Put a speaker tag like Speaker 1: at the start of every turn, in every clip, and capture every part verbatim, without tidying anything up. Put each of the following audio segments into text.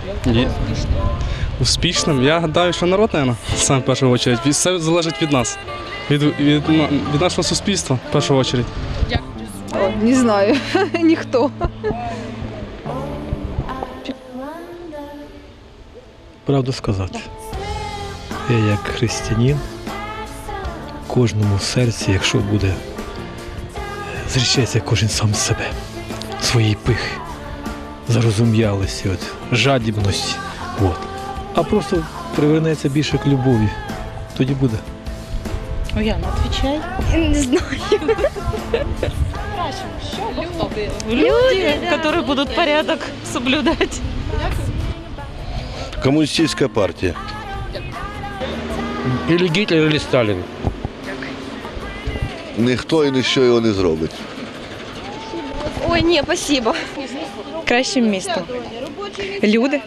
Speaker 1: Є. Успішним? Я гадаю, що народ, мабуть, саме в першу чергу. Все залежить від нас, від, від, від нашого суспільства, в першу чергу.
Speaker 2: О, не знаю, ніхто.
Speaker 3: Правду сказати, я як християнин, кожному серці, якщо буде, зречеться кожен сам з себе, своєї пихи, зарозум'ялості, от, жадібності. От. А просто привернеться більше к любові, тоді буде.
Speaker 4: Яна, отвечай.
Speaker 5: Не знаю.
Speaker 4: Люди, которые будут порядок соблюдать.
Speaker 6: Коммунистическая партия.
Speaker 7: Или Гитлер, или Сталин.
Speaker 6: Ніхто і ніщо його не зробить.
Speaker 5: Ой, ні, спасибо.
Speaker 8: Кращим містом. Люди.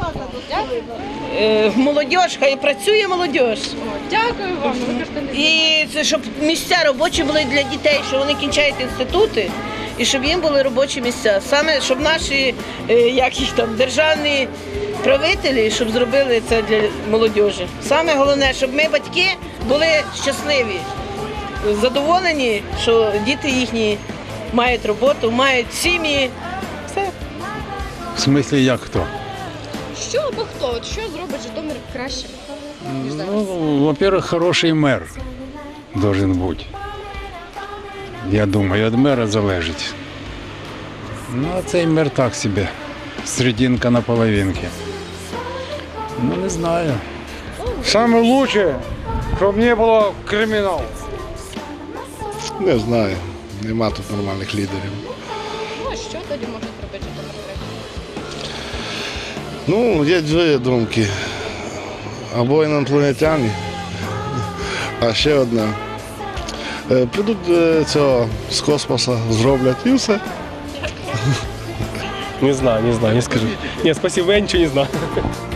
Speaker 9: Молодіж, хай працює молодіж.
Speaker 5: Дякую вам.
Speaker 9: І це щоб місця робочі були для дітей, що вони кінчають інститути, і щоб їм були робочі місця. Саме щоб наші е, як їх там державні правителі, щоб зробили це для молодіжі. Саме головне, щоб ми, батьки, були щасливі, задоволені, що діти їхні мають роботу, мають сім'ї. Все.
Speaker 7: В смысле, як хто?
Speaker 5: Що або хто? От що зробить Житомир краще?
Speaker 7: Ну, во-первых, хороший мер должен бути. Я думаю, від мера залежить. Ну, а цей мер так собі. Серединка на половинки. Ну, не знаю.
Speaker 10: Саме лучше, щоб не було криміналу.
Speaker 6: Не знаю. Нема тут нормальних лідерів.
Speaker 5: Ну, а що тоді може зробити Житомир краще?
Speaker 6: Ну, є дві думки. Або інопланетяни, а ще одна. Е, Прийдуть е, цього з космосу, зроблять і все.
Speaker 11: Не знаю, не знаю, не скажу. Нет, спасибо, я ничего не знаю.